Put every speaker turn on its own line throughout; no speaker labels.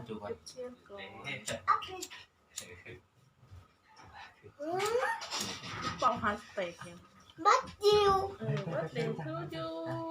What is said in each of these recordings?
จูก่อน
เทียนก่อนเป่าฮาสเตกยัง
บัดจิว
บัดเดย์ทูยู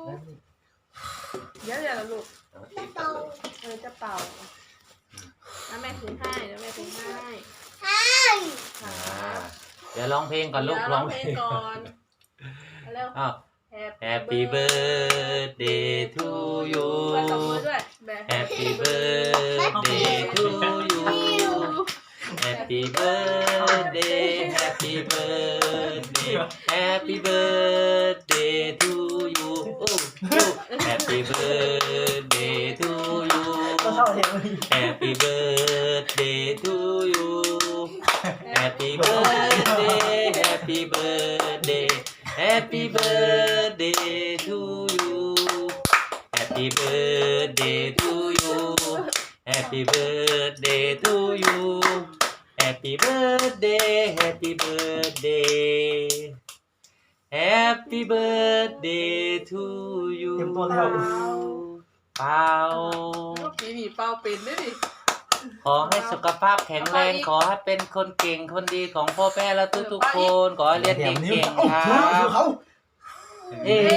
เดี๋ยวลูก
จะเตา
จะเป่าแล้วแม่ถือให้แล้วแม่ถือให้
ใช่
ค่ะ
เดี๋ยวร้องเพลงก่อนลูก
ร้
ร้
อ
อง ง
เพ
เพ
ล
ล
ง
ง
ก่อนเร็ว
อ้าว Happy birthday to you
มาตบมือด้วย
Happy birthday to you Happy birthday Happy birthday Happy birthday to you Happy birthday to you Happy birthday to you Happy birthday Happy birthday Happy birthday to you Happy birthday to you Happy birthday to you Happy birthday Happy birthday Happy birthday to you
เตรียมตัวแล้ว
เป่า
ปีนี้เป่าเป็นด้วยดิ
ขอให้สุขภาพแข็งแรงขอให้เป็นคนเก่งคนดีของพ่อแม่และทุกๆคนขอให้เรียนเก่งๆครับ
เขา
เอ้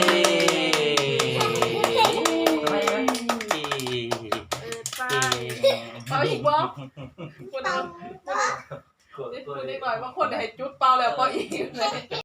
เป่าอีกบ่คนเดียวคนนี้หน่อยว่าคนไหนจุดเป่าแล้วเป่าอีกเลย